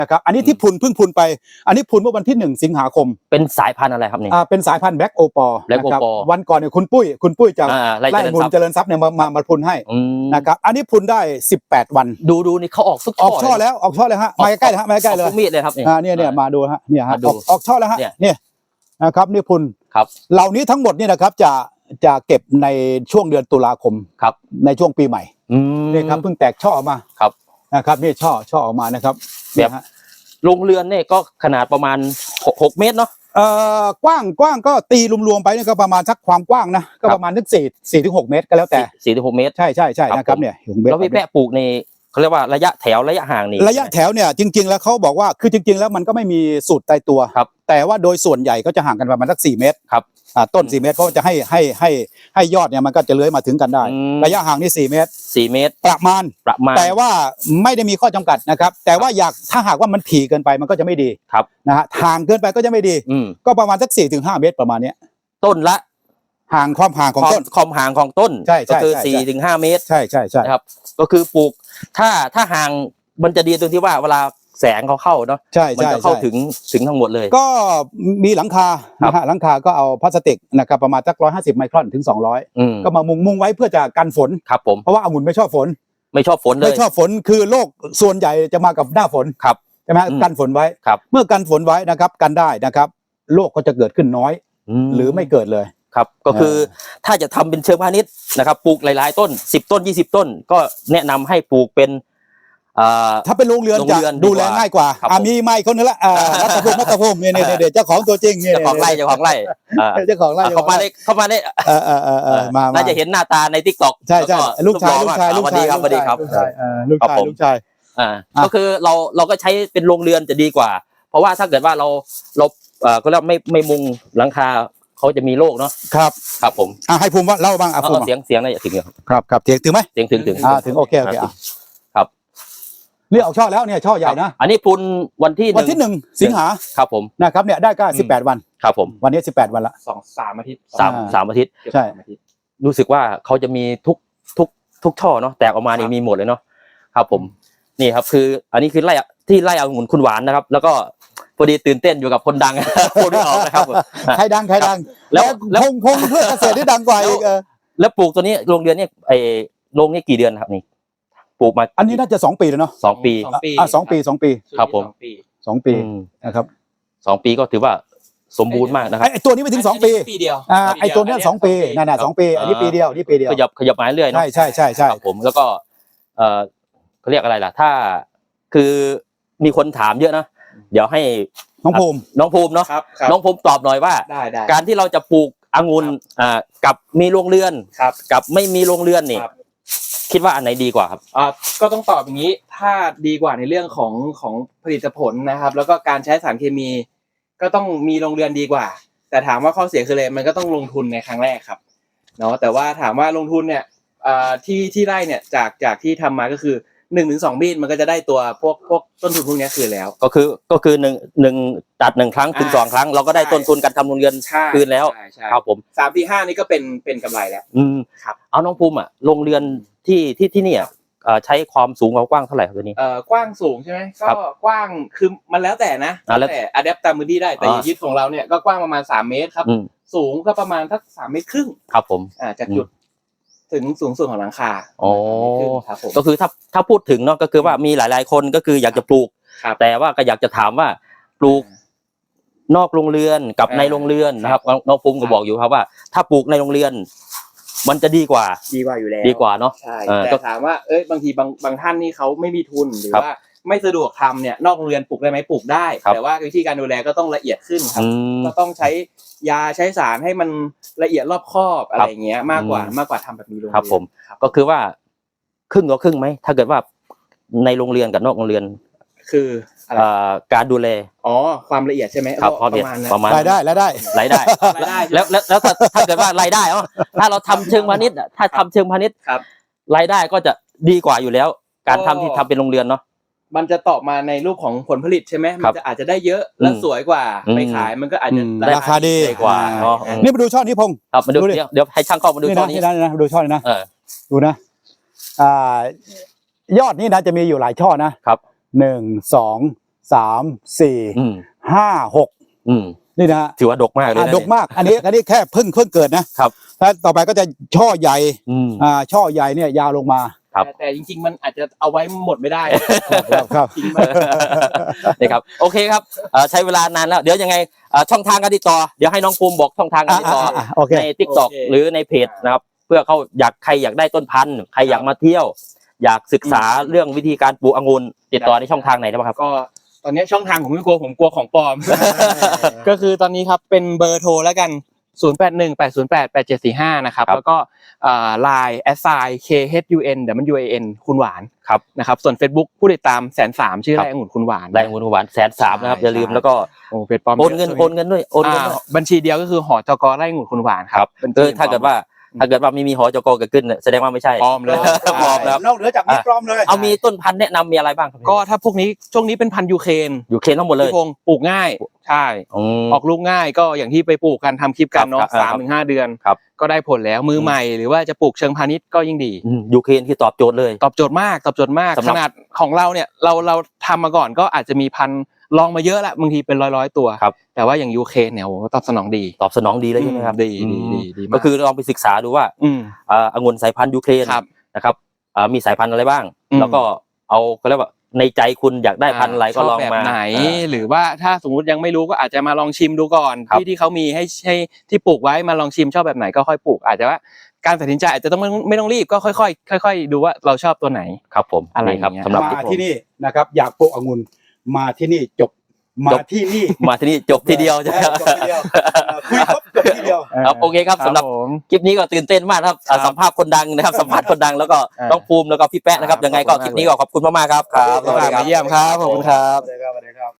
นะครับอันนี้ที่เพิ่งพุนไปอันนี้พุนเมื่อวันที่1 สิงหาคมเป็นสายพันธุ์อะไรครับนี่เป็นสายพันธุ์แบล็กโอปอล์นะครับวันก่อนเนี่ยคุณปุ้ยจากไร่องุ่นเจริญทรัพย์เนี่ยมาพุนให้นะครับอันนี้พุนได้18 วันดูนี่เขาออกช่อแล้วฮะมาใกล้ๆฮะมาใกล้เลยมีดเลยครับเนี่ยมาดูฮะเนี่ยฮะออกช่อแล้วฮะเนี่ยนะครับนี่พุนครับเหล่านี้ทั้งหมดเนี่ยนะครับจะเก็บในช่วงเดือนตุลาคมครับในช่วงปีใหม่นี่ครับเพิ่งแตกช่อออกมาครับนะครับนี่ช่อออกมานะครับแบบโรงเรือนเนี่ยก็ขนาดประมาณ6 เมตรเนาะกว้างก็ตีรวมๆไปเนี่ยก็ประมาณสักความกว้างนะก็ประมาณ4 ถึง 6 เมตรก็แล้วแต่ 4 ถึง 6 เมตรใช่นะครับเนี่ยแล้วพี่แปะปลูกในเขาเรียกว่าระยะแถวระยะห่างนี่ระยะแถวเนี่ยจริงๆแล้วเขาบอกว่าคือจริงๆแล้วมันก็ไม่มีสูตรตายตัวแต่ว่าโดยส่วนใหญ่ก็จะห่างกันประมาณสัก4 เมตรครับต้น4 เมตรเพราะจะให้ยอดเนี่ยมันก็จะเลื้อยมาถึงกันได้ระยะห่างนี่4 เมตรประมาณแต่ว่าไม่ได้มีข้อจำกัดนะครับแต่ว่าถ้าหากว่ามันถี่เกินไปมันก็จะไม่ดีนะฮะห่างเกินไปก็จะไม่ดีก็ประมาณสัก4 ถึง 5 เมตรประมาณนี้ต้นละความห่างของต้นความห่างของต้นก็คือ4 ถึง 5 เมตรใช่ครับก็คือปลูกถ้าห่างมันจะดีตรงที่ว่าเวลาแสงเขาเข้าเนาะมันจะเข้าถึงทั้งหมดเลยก็มีหลังคานะฮะหลังคาก็เอาพลาสติกนะครับประมาณสัก150 ไมครอนถึง200ก็มามุงไว้เพื่อจะกันฝนครับผมเพราะว่าองุ่นไม่ชอบฝนเลยไม่ชอบฝนคือโรคส่วนใหญ่จะมากับหน้าฝนครับใช่ไหมกันฝนไว้เมื่อกันฝนไว้นะครับกันได้นะครับโรคก็จะเกิดขึ้นน้อยหรือไม่เกิดเลยครับก็คือถ้าจะทำเป็นเชิงพาณิชย์นะครับปลูกหลายๆต้น10 ต้น20 ต้นก็แนะนำให้ปลูกเป็นถ้าเป็นโรงเรือนจะดูแลง่ายกว่ามีไม้คนนึงละรัตภูมิเนี่ยเจ้าของตัวจริงเนี่ยเจ้าของไร่เข้ามาได้น่าจะเห็นหน้าตาใน TikTok ใช่ลูกชายสวัสดีครับลูกชายก็คือเราก็ใช้เป็นโรงเรือนจะดีกว่าเพราะว่าถ้าเกิดว่าเราก็เรียกไม่มุงหลังคาเขาจะมีโรคเนาะครับผมให้ภูมิว่าเล่าบ้างภูมิเสียงอะไรถึงครับถึงไหมถึงโอเคครับนี่ออกช่อแล้วเนี่ยช่อใหญ่นะอันนี้พุนวันที่ 1 สิงหาครับผมนะครับเนี่ยได้ก็18 วันครับผมวันนี้18 วันละ 3 อาทิตย์ 3 อาทิตย์ใช่รู้สึกว่าเขาจะมีทุกช่อเนาะแตกออกมานี่มีหมดเลยเนาะครับผมนี่ครับคืออันนี้คือไร่องุ่นคุณหวานนะครับแล้วก็พอดีตื่นเต้นอยู่กับคนดังพูดไม่ออกนะครับใครดังแล้วพงเพื่อเกษตรที่ดังกว่าอีกแล้วปลูกตัวนี้โรงเรือนเนี่ยโรงนี้กี่เดือนครับนี่ปลูกมาอันนี้น่าจะ2 ปีแล้วเนาะ 2 ปี 2 ปีครับผม 2 ปีนะครับ 2 ปีก็ถือว่าสมบูรณ์มากนะครับไอตัวนี้ไม่ถึง2 ปีเดียวไอตัวนี้2 ปีนั่น2 ปีอันนี้ปีเดียวขยับมาเรื่อยๆเนาะใช่ครับผมแล้วก็เขาเรียกอะไรล่ะถ้าคือมีคนถามเยอะนะเดี๋ยวให้น้องภูมิเนาะน้องภูมิตอบหน่อยว่าการที่เราจะปลูกองุ่นกับมีโรงเรือนกับไม่มีโรงเรือนนี่คิดว่าอันไหนดีกว่าครับก็ต้องตอบอย่างนี้ถ้าดีกว่าในเรื่องของผลิตผลนะครับแล้วก็การใช้สารเคมีก็ต้องมีโรงเรือนดีกว่าแต่ถามว่าข้อเสียคืออะไรมันก็ต้องลงทุนในครั้งแรกครับเนาะแต่ว่าถามว่าลงทุนเนี่ยที่ไร่เนี่ยจากที่ทำมาก็คือ1 ถึง 2 มีดมันก็จะได้ตัวพวกต้นทุนพวกนี้คืนแล้วก็คือ1ตัด1 ครั้งถึง2 ครั้งเราก็ได้ต้นทุนการทำโรงเรือนคืนแล้วครับผม 3 4 5นี่ก็เป็นกำไรแล้วครับเอาน้องภูมิโรงเรือนที่นี่ใช้ความสูงความกว้างเท่าไหร่ครับตัวนี้กว้างสูงใช่ไหมก็กว้างคือมันแล้วแต่นะแล้วแต่อะแดปตามพื้นที่ได้แต่ยึดของเราเนี่ยก็กว้างประมาณ3 เมตรครับสูงก็ประมาณสัก3 เมตรครึ่งครับผมจากจุดถึงสูงสุดของหลังคาก็คือถ้าพูดถึงเนาะก็คือว่ามีหลายๆคนก็คืออยากจะปลูกแต่ว่าก็อยากจะถามว่าปลูกนอกโรงเรือนกับในโรงเรือนนะครับน้องภูมิก็บอกอยู่ครับว่าถ้าปลูกในโรงเรือนมันจะดีกว่าอยู่แล้วดีกว่าเนาะใช่แต่ถามว่าบางทีบางท่านนี่เขาไม่มีทุนหรือว่าไม่สะดวกทำเนี่ยนอกโรงเรียนปลูกได้ไหมปลูกได้แต่ว่าวิธีการดูแลก็ต้องละเอียดขึ้นครับก็ต้องใช้ยาใช้สารให้มันละเอียดรอบคอบอะไรเงี้ยมากกว่าทำแบบนี้โรงเรียนครับผมก็คือว่าครึ่งต่อครึ่งไหมถ้าเกิดว่าในโรงเรียนกับนอกโรงเรียนคือการดูแลความละเอียดใช่ไหมประมาณรายได้แล้วถ้าเกิดว่ารายได้ถ้าเราทำเชิงพาณิชย์ถ้าทำเชิงพาณิชย์รายได้ก็จะดีกว่าอยู่แล้วการทำที่ทำเป็นโรงเรือนเนาะมันจะตอบมาในรูปของผลผลิตใช่ไหมมันจะอาจจะได้เยอะและสวยกว่าไปขายมันก็อาจจะราคาดีกว่านี่มาดูช่อนี้พงครับมาดูเดี๋ยวให้ช่างเข้ามาดูช่อนี้นะดูช่อนี้นะดูนะยอดนี่นะจะมีอยู่หลายช่อนะครับ1 2 3 4 5 6นี่นะฮะถือว่าดกมากเลยนะดกมากอันนี้แค่เพิ่งเกิดนะครับแล้วต่อไปก็จะช่อใหญ่ช่อใหญ่เนี่ยยาวลงมาแต่จริงๆมันอาจจะเอาไว้หมดไม่ได้ครับจริงมากนะครับโอเคครับใช้เวลานานแล้วเดี๋ยวยังไงช่องทางการติดต่อเดี๋ยวให้น้องภูมิบอกช่องทางการติดต่อโอเคใน TikTok หรือในเพจนะครับเพื่อเขาใครอยากได้ต้นพันธุ์ใครอยากมาเที่ยว อยากศึกษาเรื่องวิธีการปลูกองุ่นติดต่อในช่องทางไหนได้บ้างครับก็ตอนนี้ช่องทางผมไม่กลัวผมกลัวของปลอม ก็คือตอนนี้ครับเป็นเบอร์โทรแล้วกัน 0818088745 นะครับแล้วก็Line @KHUNคุณหวานครับนะครับส่วน Facebook ผู้ติดตาม130,000ชื่อไร่องุ่นคุณหวานไร่องุ่นคุณหวาน130,000นะครับอย่าลืมแล้วก็โอนเงินด้วยโอนเงินด้วยบัญชีเดียวก็คือหจก.ไร่องุ่นคุณหวานครับถ้าเกิดว่าไม่มีหจกเกิดขึ้นแสดงว่าไม่ใช่ปลอมเลยปลอมแล้วนอกเหนือจากนี้ปลอมเลยเอามีต้นพันธุ์แนะนำมีอะไรบ้างครับก็ถ้าพวกนี้ช่วงนี้เป็นพันธุ์ยูเครนทั้งหมดเลยพี่พงศ์ปลูกง่ายใช่ออกลูกง่ายก็อย่างที่ไปปลูกกันทำคลิปกันเนาะ3-5 เดือนก็ได้ผลแล้วมือใหม่หรือว่าจะปลูกเชิงพาณิชย์ก็ยิ่งดียูเครนคือตอบโจทย์เลยตอบโจทย์มากขนาดของเราเนี่ยเราทำมาก่อนก็อาจจะมีพันธุ์ลองมาเยอะละบางทีเป็นร้อยตัวแต่ว่าอย่างยูเครนเนี่ยตอบสนองดีเลยใช่ไหมครับดีก็คือลองไปศึกษาดูว่าองุ่นสายพันธุ์ยูเครนนะครับมีสายพันธุ์อะไรบ้างแล้วก็เอาก็เรียกว่าในใจคุณอยากได้พันธุ์อะไรก็ลองมาแบบไหนหรือว่าถ้าสมมติยังไม่รู้ก็อาจจะมาลองชิมดูก่อนที่เขามีให้ที่ปลูกไว้มาลองชิมชอบแบบไหนก็ค่อยปลูกอาจจะว่าการตัดสินใจอาจจะต้องไม่ต้องรีบก็ค่อยๆดูว่าเราชอบตัวไหนครับผมอะไรครับสำหรับมาที่นี่นะครับอยากปลูกองุ่นมาที่นี่จบมาที่นี่จบทีเดียวใช่ไหมครับคุยครบจบทีเดียวครับโอเคครับสำหรับคลิปนี้ก็ตื่นเต้นมากครับสัมภาษณ์คนดังนะครับสัมภาษณ์คนดังแล้วก็ต้องภูมิแล้วก็พี่แป๊ะนะครับยังไงก็คลิปนี้ก็ขอบคุณมากๆครับมาเยี่ยมครับขอบคุณครับ